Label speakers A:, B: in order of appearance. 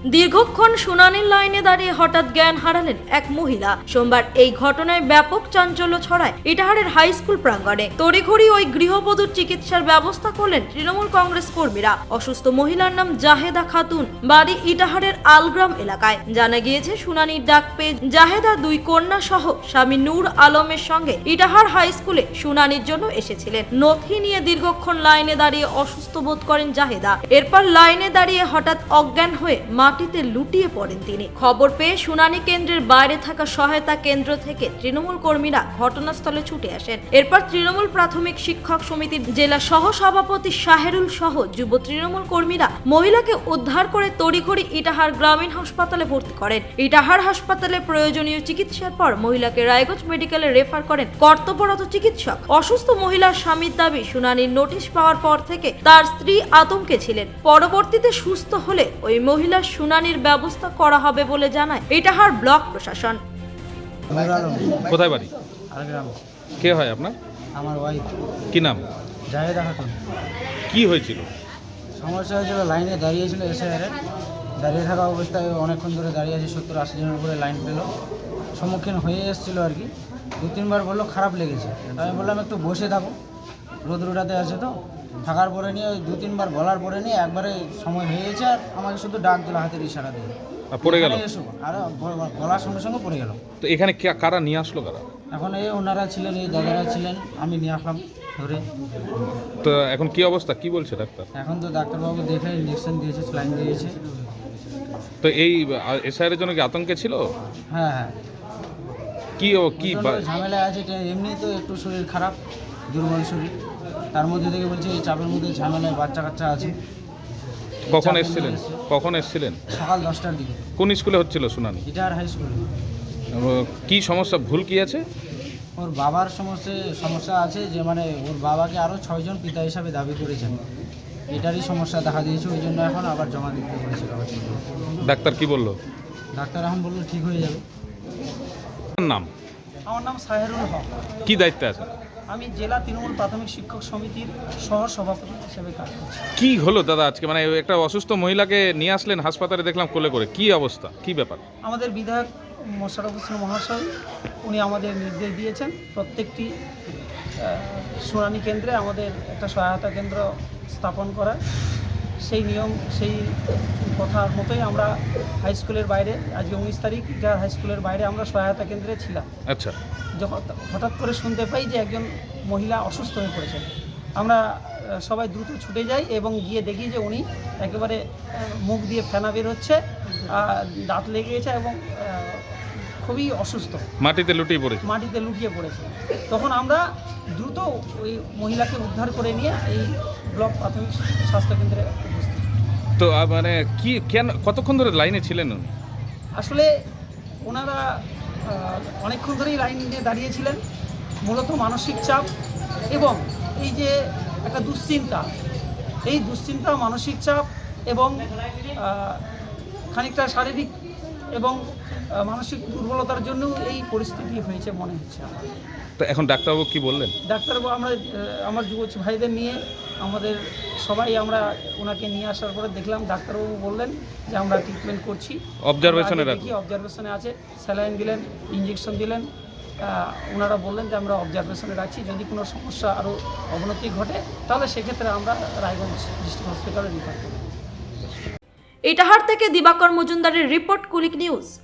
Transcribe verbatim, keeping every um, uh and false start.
A: দীর্ঘক্ষণ শুনানির লাইনে দাঁড়িয়ে হঠাৎ জ্ঞান হারালেন এক মহিলা। সোমবার এই ঘটনায় ব্যাপক চাঞ্চল্য ছড়ায় ইটাহারের হাই স্কুল প্রাঙ্গণে। তড়িঘড়ি ওই গৃহবধূর চিকিৎসার ব্যবস্থা করলেন তৃণমূল কংগ্রেস কর্মীরা। অসুস্থ মহিলার নাম জাহেদা খাতুন, বাড়ি ইটাহারের আলগ্রাম এলাকায়। জানা গিয়েছে, শুনানির ডাক পেয়ে জাহেদা দুই কন্যা সহ স্বামী নূর আলমের সঙ্গে ইটাহার হাই স্কুলে শুনানির জন্য এসেছিলেন। নথি নিয়ে দীর্ঘক্ষণ লাইনে দাঁড়িয়ে অসুস্থ বোধ করেন জাহেদা। এরপর লাইনে দাঁড়িয়ে হঠাৎ অজ্ঞান হয়ে মাটিতে লুটিয়ে পড়েন তিনি। খবর পেয়ে শুনানি কেন্দ্রের বাইরে থাকা সহায়তা কেন্দ্র থেকে তৃণমূল কর্মীরা ঘটনাস্থলে ছুটে আসেন। এরপর তৃণমূল প্রাথমিক শিক্ষক সমিতির জেলা সহ সভাপতি শাহেরুল সহ যুব তৃণমূল কর্মীরা মহিলাকে উদ্ধার করে তড়িঘড়ি ইটাহার গ্রামীণ হাসপাতালে ভর্তি করেন। ইটাহার হাসপাতালে প্রয়োজনীয় চিকিৎসার পর মহিলাকে রায়গঞ্জ মেডিকেলে রেফার করেন কর্তব্যরত চিকিৎসক। অসুস্থ মহিলার স্বামীর দাবি, শুনানির নোটিশ পাওয়ার পর থেকে তার স্ত্রী আতঙ্কে ছিলেন। পরবর্তীতে সুস্থ হলে ওই মহিলার শুনানির ব্যবস্থা করা হবে বলে জানায় ইটাহার ব্লক প্রশাসন।
B: কোথায় বাড়ি?
C: আলগ্রাম।
B: কে হয় আপনার?
C: আমার ওয়াইফ।
B: কি নাম?
C: জাহেদা খাতুন।
B: কি হয়েছিল?
C: সমস্যা হয়েছিল, লাইনে দাঁড়িয়েছিল এসআইআরে। দাঁড়িয়ে থাকা অবস্থায় অনেকক্ষণ ধরে দাঁড়িয়ে আছে, সত্তর আশি জনের উপরে লাইন পেল, সম্মুখীন হয়ে এসেছিলো আর কি। দু তিনবার বললো খারাপ লেগেছে, আমি বললাম একটু বসে থাকো, রোদ্রুটাতে আছে তো। থাকার পরে নিয়ে দু তিনবার বলার পরে নিয়ে একবারে সময় হয়ে গেছে, আর আমাকে শুধু ডাক দিল হাতের ইশারা দিয়ে,
B: পড়ে গেল।
C: এসো, আর বলার সঙ্গে সঙ্গে পড়ে গেল।
B: তো এখানে কে- কারা নিয়ে আসলো কারা?
C: এখন এই ওনারা ছিলেন, এই দাদারা ছিলেন, আমি নিয়ে আসলাম ধরে।
B: তো এখন কি অবস্থা, কি বলছে ডাক্তার?
C: এখন তো ডাক্তারবাবু দেখে ইঞ্জেকশন দিয়েছে, স্যালাইন দিয়েছে।
B: তো এই এসআইয়ের জন্য কি আতঙ্কে ছিল?
C: হ্যাঁ হ্যাঁ,
B: কি ও কি বা-
C: ঝামেলা আছে, এমনি তো একটু শরীর খারাপ, দুর্বল শরীর, তার মধ্যে থেকে বলছে এই চাপের মধ্যে ঝামেলায় বাচ্চা কাচ্চা আছে।
B: কখন
C: চাপের
B: এসেছিলেন?
C: মধ্যে এসে-
B: কখন এসেছিলেন?
C: সকাল দশটার দিকে
B: কোন স্কুলে হচ্ছিল শুনানি?
C: Itahar high school.
B: কি সমস্যা, ভুল কি আছে?
C: ওর বাবার সমস্যা সমস্যা আছে, যে মানে ওর বাবাকে আরও ছয়জন পিতা হিসাবে দাবি করেছেন, এটারই সমস্যা দেখা দিয়েছে, ওই জন্য এখন আবার জমা দিতে বলেছে কাগজপত্র।
B: ডাক্তার কি বললো?
C: ডাক্তার এখন বললো ঠিক হয়ে যাবে।
B: আপনার নাম?
D: আমার নাম সাহেরুল হক।
B: কি দায়িত্বে আছে?
D: আমি জেলা তৃণমূল প্রাথমিক শিক্ষক সমিতির সহ সভাপতি হিসেবে কাজ করছি।
B: কি হলো দাদা আজকে? মানে একটা অসুস্থ মহিলাকে নিয়ে আসলেন হাসপাতালে, দেখলাম কোলে করে, কি অবস্থা, কি ব্যাপার?
D: আমাদের বিধায়ক মোশাররফ হোসেন মহাশয় উনি আমাদের নির্দেশ দিয়েছেন প্রত্যেকটি আহ, শুনানি কেন্দ্রে আমাদের একটা সহায়তা কেন্দ্র স্থাপন করা। সেই নিয়ম, সেই কথার মতোই আমরা হাই স্কুলের বাইরে, আজকে উনিশ তারিখ ইটাহার হাই স্কুলের বাইরে আমরা সহায়তা কেন্দ্রে ছিলাম।
B: আচ্ছা,
D: যখন হঠাৎ করে শুনতে পাই যে একজন মহিলা অসুস্থ হয়ে পড়েছেন, আমরা আহ, সবাই দ্রুত ছুটে যাই এবং গিয়ে দেখি যে উনি একেবারে আহ, মুখ দিয়ে ফেনা বের হচ্ছে, আহ, দাঁত লেগে গেছে এবং আহ, খুবই অসুস্থ,
B: মাটিতে লুটিয়ে পড়েছে।
D: মাটিতে লুটিয়ে পড়েছে। তখন আমরা দ্রুত ওই মহিলাকে উদ্ধার করে নিয়ে এই ব্লক প্রাথমিক স্বাস্থ্যকেন্দ্রে উপস্থিত।
B: তো আহ, মানে কি, কেন, কতক্ষণ ধরে লাইনে ছিলেন উনি?
D: আসলে ওনারা আহ, অনেকক্ষণ ধরেই লাইন দিয়ে দাঁড়িয়েছিলেন, মূলত মানসিক চাপ এবং এই যে একটা দুশ্চিন্তা, এই দুশ্চিন্তা, মানসিক চাপ এবং আহ, খানিকটা শারীরিক এবং আহ, মানসিক দুর্বলতার জন্য এই পরিস্থিতি হয়েছে মনে হচ্ছে আমার।
B: তো এখন ডাক্তারবাবু কি বললেন?
D: ডাক্তারবাবু, আমরা আহ, আমার যুব ভাইদের নিয়ে আমাদের সবাই আমরা ওনাকে নিয়ে আসার পরে দেখলাম, ডাক্তারবাবু বললেন যে আমরা ট্রিটমেন্ট করছি,
B: অবজারভেশনে
D: আগে
B: রাখুন।
D: দেখি, অবজারভেশনে আছে, স্যালাইন দিলেন, ইঞ্জেকশন দিলেন। আহ, ওনারা বললেন যে আমরা অবজারভেশনে রাখছি, যদি কোনো সমস্যা আরও অবনতি ঘটে তাহলে সেক্ষেত্রে আমরা রায়গঞ্জ ডিস্ট্রিক্ট হসপিটালে রিফার করব।
A: ইটাহার থেকে দিবাকর মজুমদারের রিপোর্ট, কুলিক নিউজ।